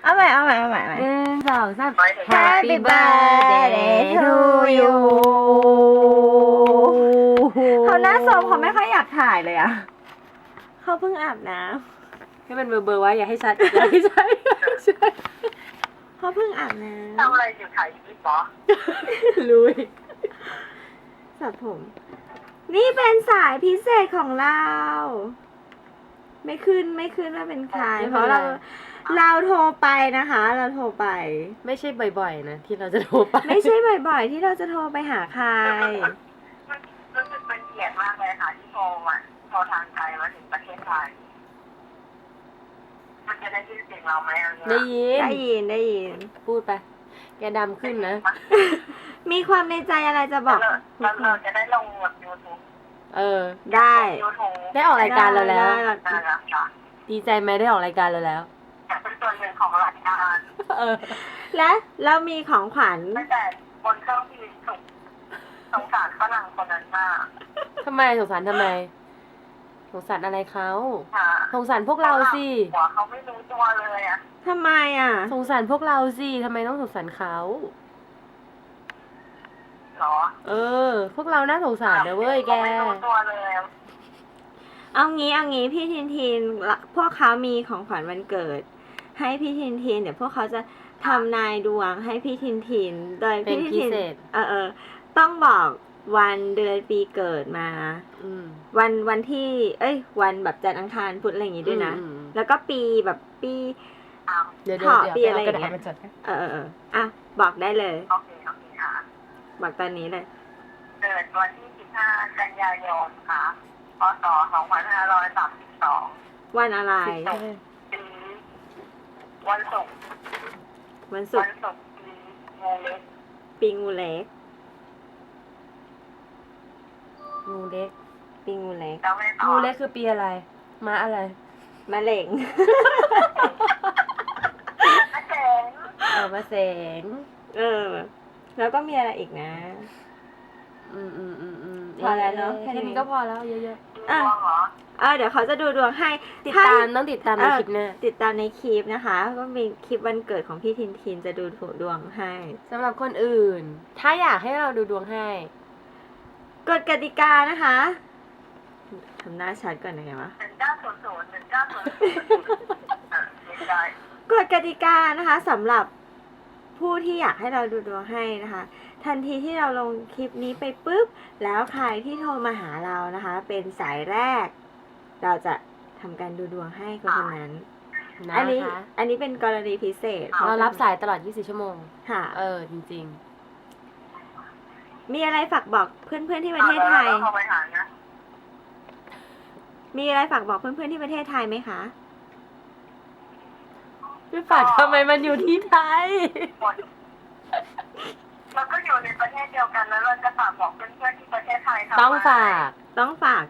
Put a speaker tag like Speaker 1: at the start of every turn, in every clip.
Speaker 1: เอาใหม่
Speaker 2: 1 2 3
Speaker 1: Happy birthday to you เขาหน้าโซมเขาไม่ค่อยอยากถ่ายเลยอะเขาเพิ่งอาบน้
Speaker 2: ให้มันเบอร์ไว้อย่าให้ชัดอย่าให้ชัด
Speaker 1: ำเขาเพิ่งอาบน้
Speaker 3: ทำอะไรอยู่ถ่ายคลิปเหรอ
Speaker 2: ลุย
Speaker 1: ำสระผม นี่เป็นสายพิเศษของเรา ไม่ขึ้นว่าเป็นใคร เพราะเราโทรไปนะคะ เราโทรไป
Speaker 2: ไม่ใช่บ่อยๆนะที่เราจะโทรไป
Speaker 1: ไม่ใช่บ่อยๆ ที่เราจะโทรไปหาใคร
Speaker 3: รู้สึกเป็นเกียรติมากเลยค่ะที่โทรทางไทยมาถึงประเทศไทย มันจะได้ยินเสียงเราไหมเอา
Speaker 2: ได้
Speaker 3: เนี่ย
Speaker 2: ยิน
Speaker 1: ได้ยิน
Speaker 2: พูดไป แกดำขึ้นนะ
Speaker 1: มีความในใจอะไรจะบอก
Speaker 3: แล้วเราจะได้ลงแบบ YouTube
Speaker 1: ได้
Speaker 3: YouTube
Speaker 2: ได้ออกรายการเราแล้ว
Speaker 1: ได้
Speaker 3: นะคะ
Speaker 2: ดีใจไหมได้ออกรายการเราแล้ว
Speaker 3: อยากเป็นส่วนหนึ่งของรายการ
Speaker 1: และเรามีของขวัญ
Speaker 3: ตั้งแต่บนเครื่องบินสุขสงสารฝรั่งคนนั้นมาก
Speaker 2: ทำไมสงสารทำไม สงสารอะไรเขา
Speaker 3: ค่ะ
Speaker 2: สงสารพวกเราสิ
Speaker 3: หัวเขาไม่รู้ตัวเลยอะ
Speaker 1: ทำไมอ่ะ
Speaker 2: สงสารพวกเราสิทำไมต้องสงสารเขา
Speaker 3: เหรอ
Speaker 2: พวกเราน่าสงสารนะเว้ยแก
Speaker 3: ขาไม่รู้ตัวเลย
Speaker 1: เอางี้พี่ทินพวกเขามีของขวัญวันเกิด ให้พี่ทินเดี๋ยวพวกเขาจะทำนายดวงให้พี่ทินโดย
Speaker 2: เป็น
Speaker 1: พี่
Speaker 2: พิ
Speaker 1: ทิน
Speaker 2: เศษ
Speaker 1: ต้องบอกวันเดือนปีเกิดมา
Speaker 2: อืม
Speaker 1: วันที่วันแบบจันทร์อังคารพุธอะไรอย่างงี้ด้วยนะ
Speaker 2: อืม
Speaker 1: แล้วก็ปีแบบปี
Speaker 2: เดี๋ยว
Speaker 1: ขอ
Speaker 2: เดี๋ยว
Speaker 1: ปีอะไร
Speaker 2: เอากระดาษ
Speaker 1: อย่างเงี้ย
Speaker 2: มาจดนะ
Speaker 1: อ่ะบอกได้เลย
Speaker 3: โอเคค่ะ
Speaker 1: บอกตอนนี้เลย
Speaker 3: เกิดวันที่ 15 กันยายนค่ะ พศ 2532
Speaker 1: วันอะไร
Speaker 3: ปีวันศุกร์
Speaker 1: วันศุกร์
Speaker 3: ปีงูเล็ก
Speaker 1: ปีงูเล็ก
Speaker 2: งูเล็ก
Speaker 1: ปีงูเล็ก
Speaker 3: แล้วไม่ต่อ
Speaker 2: งูเล็กคือปีอะไรม้าอะไร
Speaker 1: มะเร็ง
Speaker 3: อาเจ๋ง
Speaker 2: มาแสง
Speaker 1: แล้วก็มีอะไรอีกนะ พอแล้วเนอะแค่นี้
Speaker 2: แค่นี้ก็พอแล้วเยอะ
Speaker 3: ดวงเหรอ
Speaker 1: เดี๋ยวเขาจะดูดวงให้
Speaker 2: ๆ ติดตามต้องติดตามในคลิปหน้า
Speaker 1: ติดตามในคลิปนะคะ ก็มีคลิปวันเกิดของพี่ทินจะดูดวงให้
Speaker 2: สำหรับคนอื่น ถ้าอยากให้เราดูดวงให้
Speaker 1: กฎกติกานะคะทำหน้าชัดก่อนยังไงวะ
Speaker 3: 1900 ไม่ได้
Speaker 1: กฎกติกานะคะสำหรับผู้ที่อยากให้เราดูดวงให้นะคะ ทันทีที่เราลงคลิปนี้ไปปุ๊บ แล้วใครที่โทรมาหาเรานะคะ เป็นสายแรก เราจะทำการดูดวงให้คนนั้น
Speaker 2: นะ
Speaker 1: อันนี้
Speaker 2: คะ
Speaker 1: อันนี้เป็นกรณีพิเศษ
Speaker 2: เรารับสายตลอด 24 ชั่วโมง
Speaker 1: ค่ะ
Speaker 2: จริง
Speaker 1: มีอะไรฝากบอกเพื่อนๆที่ประเทศไทย
Speaker 3: แล้วเข้าไปหานะ
Speaker 1: มีอะไรฝากบอกเพื่อนๆที่ประเทศไทยไหมคะ
Speaker 2: ๆพี่ฝากทำไมมันอยู่ที่ไทย
Speaker 3: หมดเราก็อยู่ในประเทศเดียวกันแล้วเราจะฝากบอกเพื่อนๆที่ประเทศไทยทำไม
Speaker 2: ต้องฝาก
Speaker 1: ต้องฝาก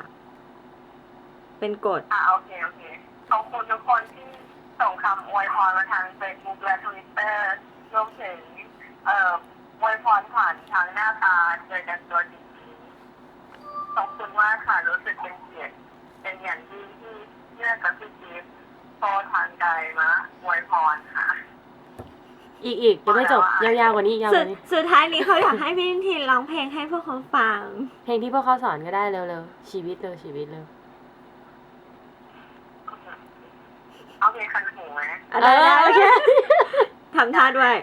Speaker 1: เป็นกฎ
Speaker 3: โอเคขอบคุณทุกคนที่ส่งคำอวยพรมาทาง Facebook และ Twitter รวมถึงอวยพรผ่านทางหน้าตาเจอกันตัวจริงๆขอบคุณมากค่ะ รู้สึกเป็นเกียรติเป็นอย่างยิ่งที่เลือกกับพี่จิ๊บโทรทางไกลมาอวยพรค่ะ
Speaker 2: อีกยังไม่จบ ยาวๆกว่านี้ยาวกว่านี้
Speaker 1: สุดท้ายนี้เขาอยากให้พี่ทินร้องเพลงให้พวกเขาฟัง
Speaker 2: เพลงที่พวกเขาสอนก็ได้เร็วๆ ชีวิตเร็ว
Speaker 3: เอาเพลงคันหูไหม
Speaker 2: โอเค
Speaker 1: ทำท่าด้วย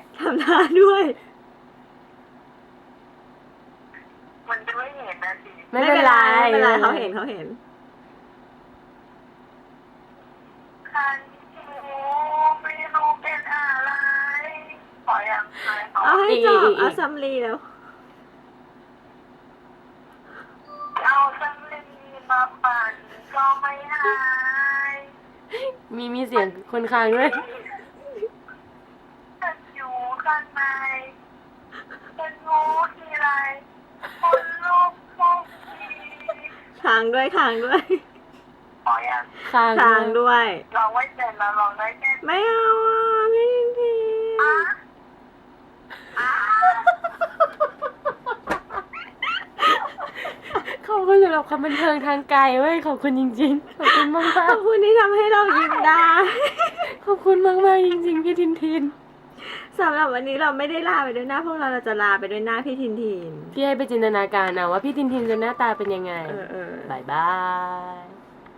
Speaker 3: มันจะไม่เห็นนะสิ
Speaker 2: ไม่เป็นไร
Speaker 1: เขาเห็น
Speaker 3: คันหูไม่รู้เป็นอะไรขอยังไงขอ
Speaker 1: เอาให้จบ
Speaker 2: อีก
Speaker 1: เอาซัมรีแล้ว
Speaker 3: เอาสังลีมาปั่นก็ไม่หาย
Speaker 2: มีเสียงคนค้างด้วย
Speaker 3: ฉันอยู่ข้างในฉันรู้ทีไรคนลุกทุกที
Speaker 1: ทางด้วย
Speaker 3: ขอยัง
Speaker 2: ค้าง
Speaker 1: ทางด้วย
Speaker 3: ลองไม่เป็นแล้วลองได้แค่
Speaker 1: ไม่เอาพี่ทิน
Speaker 3: อ่ะ
Speaker 2: ขขอบคุณสำหรับความบันเทิงทางไกลเว้ยขอบคุณจริงๆขอบคุณมาก
Speaker 1: ขอบคุณที่ทำให้เรายิ้มได้
Speaker 2: ๆขอบคุณมากๆจริงๆพี่ทินทิน
Speaker 1: สำหรับวันนี้เราไม่ได้ลาไปด้วยหน้าพวกเราจะลาไปด้วยหน้าพี่ทินทิน
Speaker 2: พี่ให้ไปจินตนาการเอาว่าพี่ทินทินจะหน้าตาเป็นยังไง
Speaker 1: เออ
Speaker 2: บายบาย